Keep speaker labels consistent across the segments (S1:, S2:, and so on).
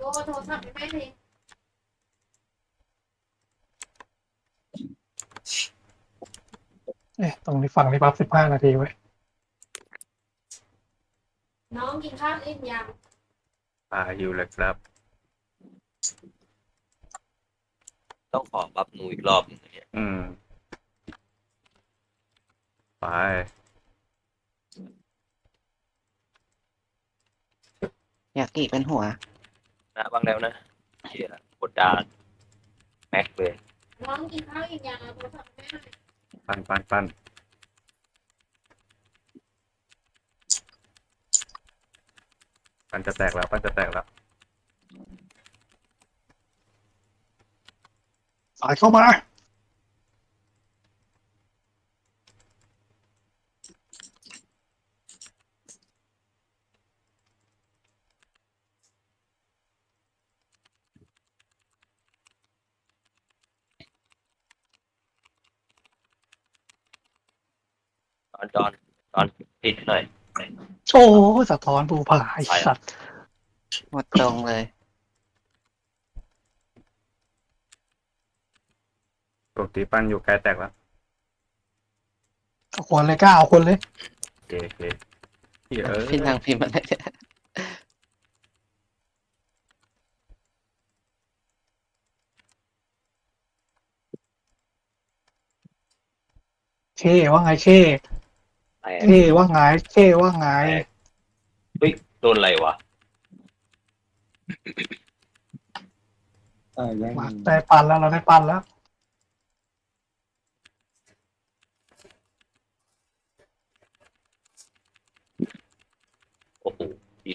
S1: โทรศัพท์ให้แม่ที
S2: ตรงนี้ฝั่งนี้ปั๊บ15 นาทีไว้
S1: น้องกินข้าวอิ่มยัง
S3: อยู่เลยครับ
S4: ต้องขอปรับหนูอีกรอบหนึงเนี่ย
S3: ไป
S5: อยากกี่เป็นหัว
S4: นะบ้างแล้วนะเชี่ยกดดานแม็กเลย
S1: น้องกินข้าวอิ่มยังเอาโทรศัพท์ให้แม่หน่อย
S3: ปั้นจะแตกแล้ว
S2: สายเข้ามา
S4: ตอนติดหน่อย
S2: โอ้สะท้อนภูผาไอ้สัตว์
S5: หมดตรงเลย
S3: ปกติปั้นอยู่ใกล้แตกแล้ว
S2: เอาคนเลยกล้าเอาคนเลย
S3: โอเคเหี้ย
S5: พี่นางพิมพ์อะไรเนี่ย
S2: เช่ว่าไงเช่
S4: แต่
S2: เช่ว่าไงเช่ว่าไง
S4: เฮ้ยโดนอะไรวะ
S2: มาได้ปันแล้วเราได้ปันแล้ว
S4: โอ้โหผิด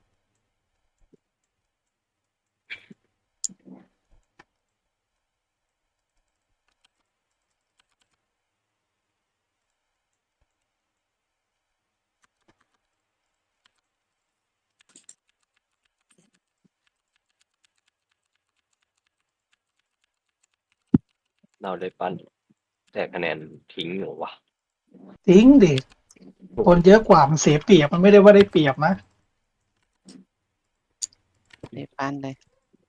S4: เราเลยปั้นแต่คะแนนทิ้งอยู่วะ
S2: ทิ้งดิคนเยอะกว่ามันเสียเปรียบมันไม่ได้ว่าได้เปรียบนะ
S5: รีบปั้นเลย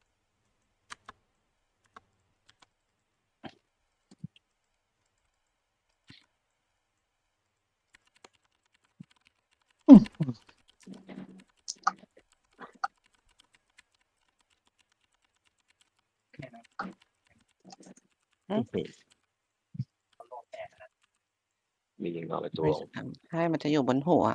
S4: มียิงเอาไปตัว
S5: ไม่ใช่มันจะอยู่บนหัว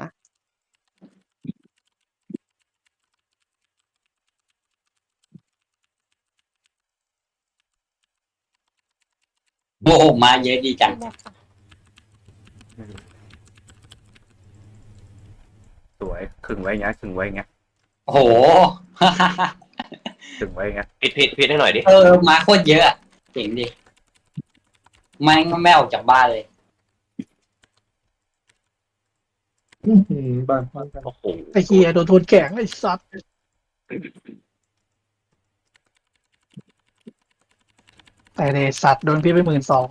S6: โอ้โหมาเยอะดีจัง
S3: สวยขึงไว้เงี้ย
S6: โอ้โห
S3: ขึงไว้เงี้ย
S4: ผิดให้หน่อยดิ
S6: มาโคตรเยอะอะเจ๋งดิไม่ออกจากบ้านเลย
S2: บ้าน
S4: โอ้โห
S2: ไอ้เฮียโดนทวนแกงไอ้สัตว์แต่เดสัตว์โดนพี่ไป12,000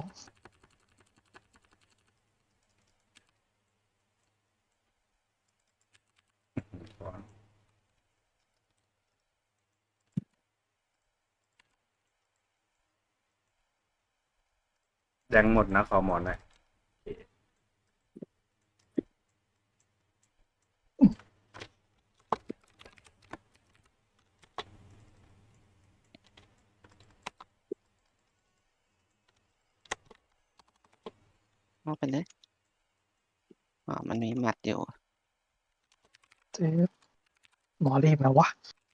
S3: แดงหมดนะขอหมอนหน่อย
S5: เอาไปเลยอ๋อมันมีหมัดอยู่
S2: เจ๊หมอรีบนะวะ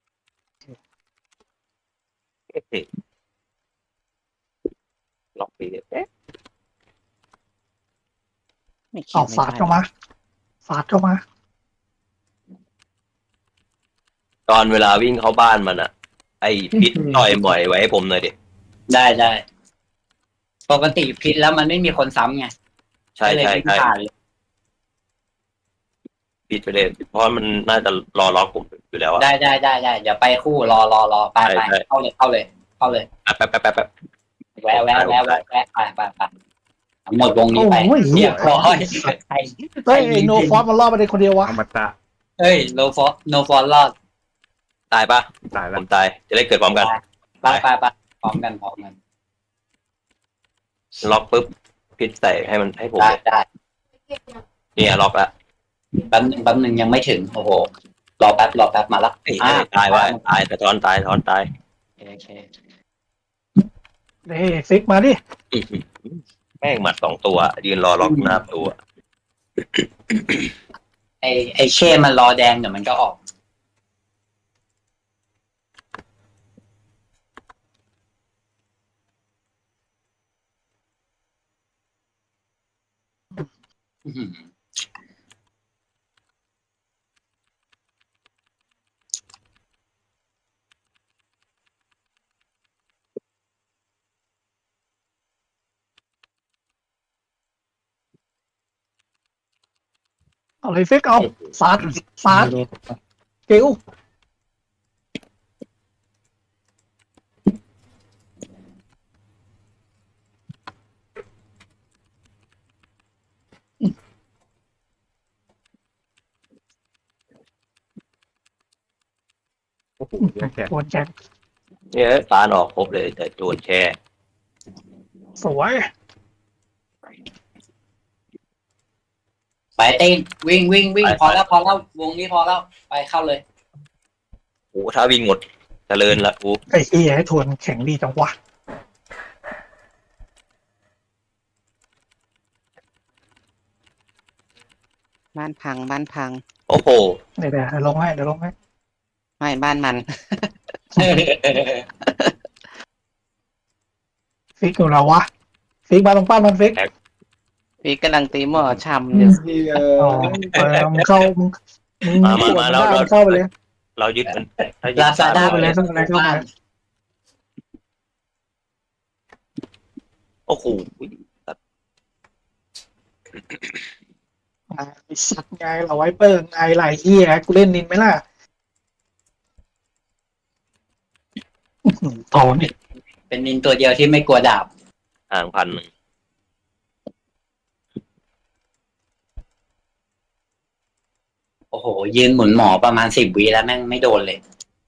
S4: ล็อกปีเอ๊ะ
S5: ไม่คิ
S2: เอา
S5: ดไม่
S2: สาด
S5: ได้
S2: เข้ามาสาดเข้ามา
S4: ตอนเวลาวิ่งเข้าบ้านมันอะไอ้พิษต่อยบ่อยไว้ให้ผมหน่อยดิ
S6: ได้ปกติพิษแล้วมันไม่มีคนซ้ำไง
S4: ใช่
S6: ก็เลย
S4: ใช่
S6: ไม่
S4: ใช่
S6: ผ่านเลย
S4: พิษไปเลยเพราะมันน่าจะรอล็อกผมอยู่แล้วอะ
S6: ได้เดี๋ยวไปคู่รอไป
S4: ใช่
S6: เข้าเลย
S4: แป๊บ
S6: แวะไปหมดวงนี้ไป
S2: โอ้ยเหี้
S6: เรี
S2: ย
S6: ยบร้อยใคร
S2: เฮ้ยไอ้โนฟอสมันรอดมาได้คนเดียววะ
S3: อมตะ
S6: เฮ้ยโนฟอร์รอด
S4: ตายปะ
S3: ตาย
S4: ผ
S3: แล้ว
S4: มตายจะได้เกิดพร้อมกัน
S6: ไปพร้อมกันพร้อมกัน
S4: ล็อกปุ๊บพิษใส่ให้มันให้ผม
S6: ได้
S4: เลย
S6: ได้
S1: เก็บยัง
S4: เนี่ยล็อกละ
S6: แป๊บนึงยังไม่ถึงโอ้โหรอแป๊บมาละ
S4: เอ้ยตายว่ะตายแต่ถอนตายถอนตาย
S6: โอเค
S2: เฮ้ยฟิกมาดิ
S4: อื้อหือแม่งหมัด2 ตัว ยืนรอล็อกหน้าตัว
S6: ไอเช่มันรอแดงเดี๋ยวมันก็ออกอื้อหือ
S2: เอาเลยฟิกเอาสาดเกล
S3: โอ้โหเยอะแค่
S2: โดนแจ็ค
S4: เนี่ยปานออกครบเลยแต่โดนแช่
S2: สวย
S6: ไปเต้นวิ่งพอแล้ววงนี้พอแล้วไปเข้าเลย
S4: โอ้ถ้าวิ่งหมดเจริญละกู
S2: ไอ้เหี้ยให้ทวนแข็งดีจังวะ
S5: บ้านพังบ้านพัง
S4: โอ้โห
S2: เดี๋ยวลงให้
S5: ไม่บ้านมัน
S2: ฟิกอยู่แล้ววะฟิกมาตรงป้านมันฟิก
S5: พี่กำลังตีหม้อชำอยู่
S2: อ๋อมึงเข้ามึงปวดได้มึงเข้าไปเลย
S4: เรายึดมันถ้ายึด
S6: ลาซาด้า
S2: เข้าไปเลยเข้าไปเลยเข้าไปเลย
S4: โอ้โห
S2: ไอ้สัตว์ไงเราไวเปอร์ไงไหลเหี้ยกูเล่นนินไหมล่ะถอนอีก
S6: เป็นนินตัวเดียวที่ไม่กลัวดาบ
S4: ห่าง1,000
S6: โอ้โหยืนหมุนหมอประมาณ10 วิแล้วแม่งไม่โดนเลย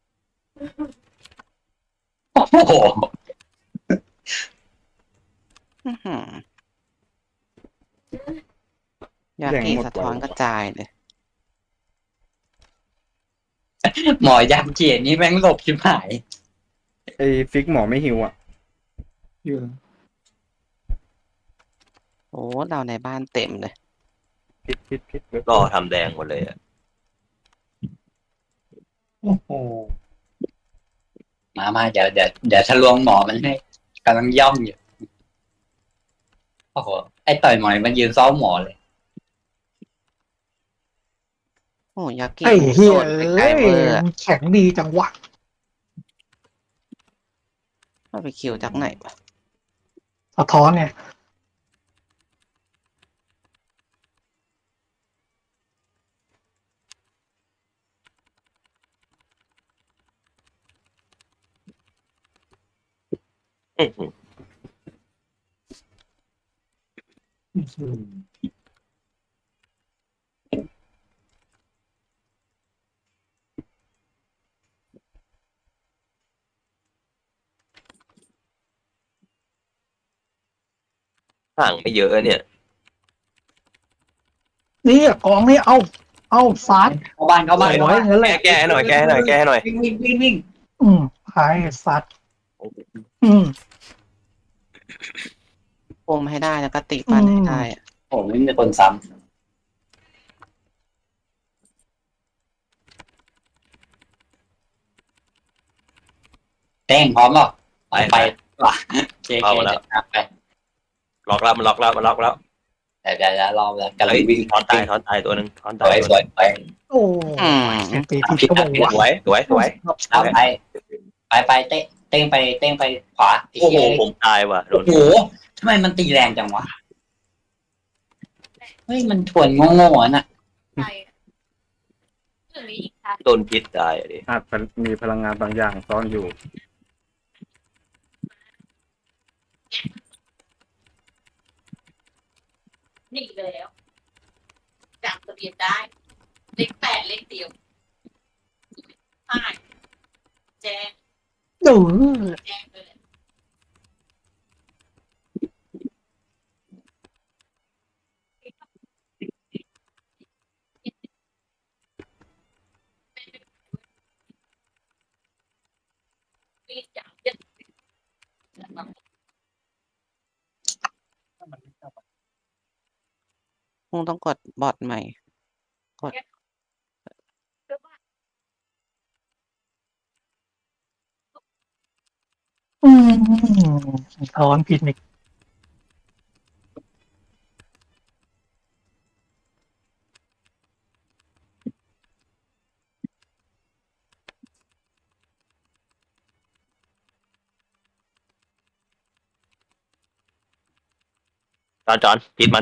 S6: โอ้โห
S5: อื้อหือยากีสะท้อนกระจายเลย
S6: หมอยักษ์เกียรนี่แม่งหลบชิบหาย
S3: ไอ้ฟิกหมอไม่หิวอ่ะ
S5: โอ้เราในบ้านเต็มเลย
S3: พิษ
S4: ก็ทำแดงหมดเลยอะ
S2: โอ้โห
S6: มาเดี๋ยวทะลวงหมอมันให้กำลังย่องอยู่โอ้โหไอ้ต่อยหมอยมันยืนซ้อมหมอเลย
S5: โอ้ยากี
S2: ไอ้เหี้ย
S5: โดนไกล
S2: เอ้ย
S5: เวอร์อะ
S2: มันแข็งดีจังวะ
S5: เอาไปคิวจากไหนวะ
S2: สะท้อนไง
S4: อื้อหือห่างไม่เยอะเนี่ย
S2: นี่กองนี่เอาสาด
S6: เข้าบ้าน
S2: สวยงั้นแหละ
S4: แก้ให้หน่อยแก้ให้หน่อย
S6: วิ่ง
S2: หายสัตว์
S5: ปมให้ได้แล้วก็ตีปั้นให้ได้อะ
S6: โอ้ไม่มีคนซ้ำเต้งพร้อมหรอไปว่ะเจ๊
S4: เอามาแล้ว
S6: ไป
S4: ล็อกแล้วมันล็อกแล้ว
S6: เดี๋ยวรอแล้วกำลัง
S4: เฮ้ย
S6: วิ่ง
S4: ถอนตายตัวหนึ่งถอน
S6: ส
S4: ตาย
S6: วย
S4: ตัว
S6: ส
S4: หนึ่ง
S6: วย
S2: โอ้
S5: อืม
S2: ตีผิดก็บอกว่า
S4: สวย
S6: เอาไปเต้งไปขวา
S4: โอ้โหผมตายว่ะโด
S6: โอ้
S4: น
S6: โหทำไมมันตีแรงจังวะเฮ้ยมันถ่วนโง่ๆน่ะ
S1: ไปถึงนี้อีกค่ะ
S4: โดนพิษตายอะดิ
S3: อาจมีพลังงานบางอย่างซ่อนอยู่
S1: หนีไปแล้วจำทะเบียนได้เลข 8เลขเดียวใช่
S2: อ
S1: แจ้งเลยมีจังเย็น
S5: คงต้องกดบอทใหม่
S2: อืมถอนผิดอีก
S4: จอนผิดมัน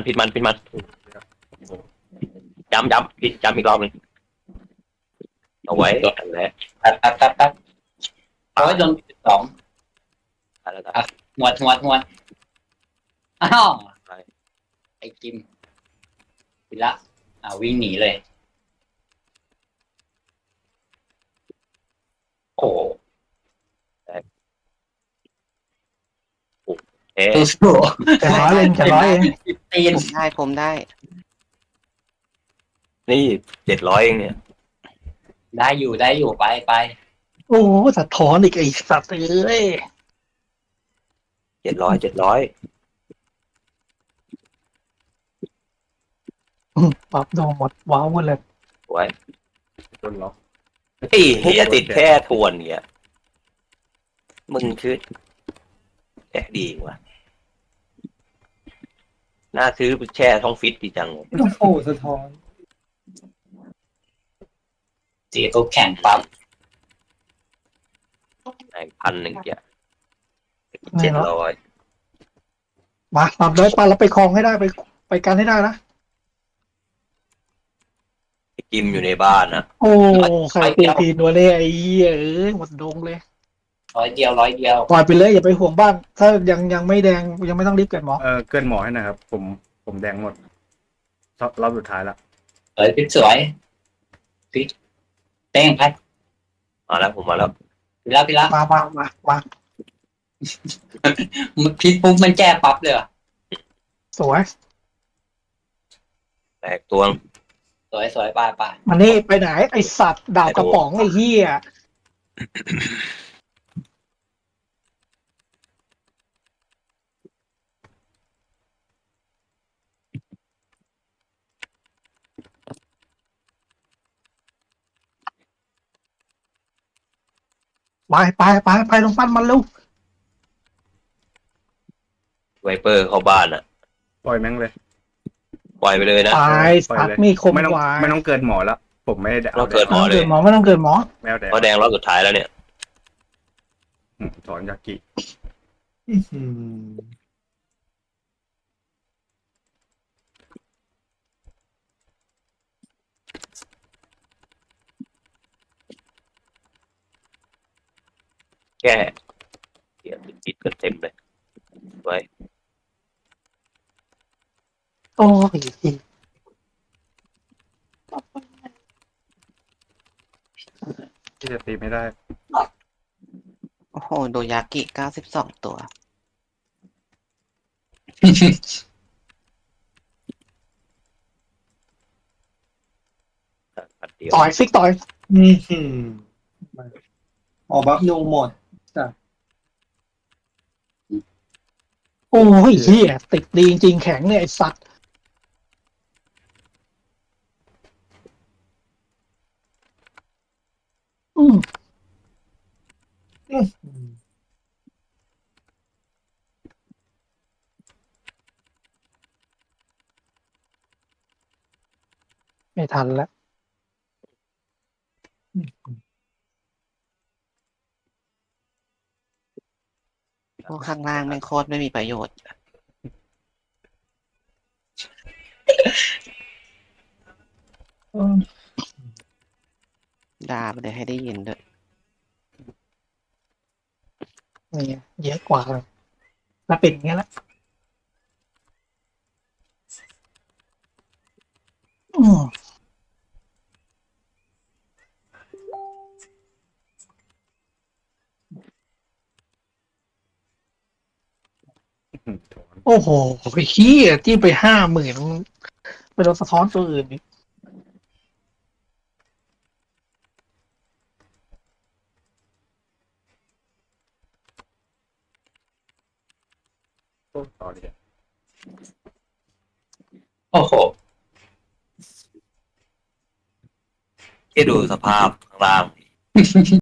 S4: ย้ำผิดย้ำอีกรอบหนึงเอาไว้อันแรก
S6: แป๊บโอ้ยโดน12
S4: แล้วกัน
S6: หวดอ้าวไอ้กิมไปละวิ่งหนีเลย
S4: โอ้เอ๊ะ
S6: สู้
S2: จะร้อยเองจะร้อยเอง
S6: ๆตีน
S5: ผมได้
S4: นี่700เองเนี่ย
S6: ได้อยู่ไป
S2: โอ้สะท้อนอีกไอ้สัตว์เอ้ย
S4: 700
S2: ปรับโดนหมดว้าวหมดเลย
S4: ไว้
S3: โดนล็อก
S4: ไอ้เฮียติดแค่ทวนเนี่ยมึงคือแค่ดีว่ะน่าซื้อแช่ท้องฟิตดีจัง
S7: โอ้โหสะท้อน
S6: ตีตัวแข่งปั๊บ
S4: 1,000เกียร์
S2: ไม่เนาะ
S4: 700
S2: มาปรับได้ปะแล้วไปคลองให้ได้ไปกันให้ได้นะ
S4: กิมอยู่ในบ้านนะ
S2: โอ้ใครตีทีนัวเนี่ยไอ้เหี้ยเอ้ยหมดดงเลย
S6: 100 เดียว
S2: ปล่อยไปเลยอย่าไปห่วงบ้าน ถ้ายังไม่แดงยังไม่ต้องรีบเกิดหมอ
S3: เกินหมอให้หนะครับ ผมแดงหมดรอบสุดท้ายละ
S6: พิษสวยพิษเต้งพัด
S4: มาแล้วผมมาแล้ว
S6: พี่ละ
S2: มา
S6: พิษปุ๊บมันแก้ปั๊บเลยเหรอ
S2: สวย
S4: แตกตัวง
S6: สวยไป
S2: มันนี่ไปไหนไอสัตว์ดาบกระป๋องไอ้เหี้ยไปลงปั้นมันเร็ว
S4: ไวเปอร์เข้าบ้านอ่ะ
S3: ปล่อยแม่งเลย
S4: ปล่อยไปเลยนะ
S2: ไป
S3: ปล่อย
S2: สัต
S3: เลย
S2: ว์มีคม
S3: ไม่ต้อง
S2: กว่า
S3: ไม่ต้องเกินหมอแล้ว ผมไม่ได้
S4: เราเกิด
S2: ไม่ต้องเกิดหมอไม่ต้องเกิดหมอ
S3: แมวแดง
S4: เพราะแดงรอบสุดท้ายแล้วเนี่ย
S3: ถอนยากิ
S7: อื้อหือ
S4: แก้เดี๋ยวติดกันเต็มเลยไว้
S2: โอ้ย
S3: ที่จะตีไม่ได้
S5: โอ้โห โดยากิ92 ตัว
S4: ปัดเดียว
S2: ต่อยฟิกต่อย
S7: อื้อหือออกบัฟนูหมด
S2: โอ้ยเหี้ยติดดีจริงๆแข็งเนี่ยไอสัตว์อืมไม่ทันแล้ว
S5: พวกข้างล่างแม่งโคตรไม่มีประโยชน์ ด่าไปเลยให้ได้ยินด้วย
S2: นี่ไงเยอะกว่าเลยแล้วเป็นอย่างเงี้ยแหละอืม
S3: โถน
S2: โอ้โหไอ้ขี้ยที่ไป50,000ไปโดนสะท้อนตัวอื่นอีก
S3: ต่อเลย
S6: โอ้โห
S4: แค่ดูสภาพข้างล่าง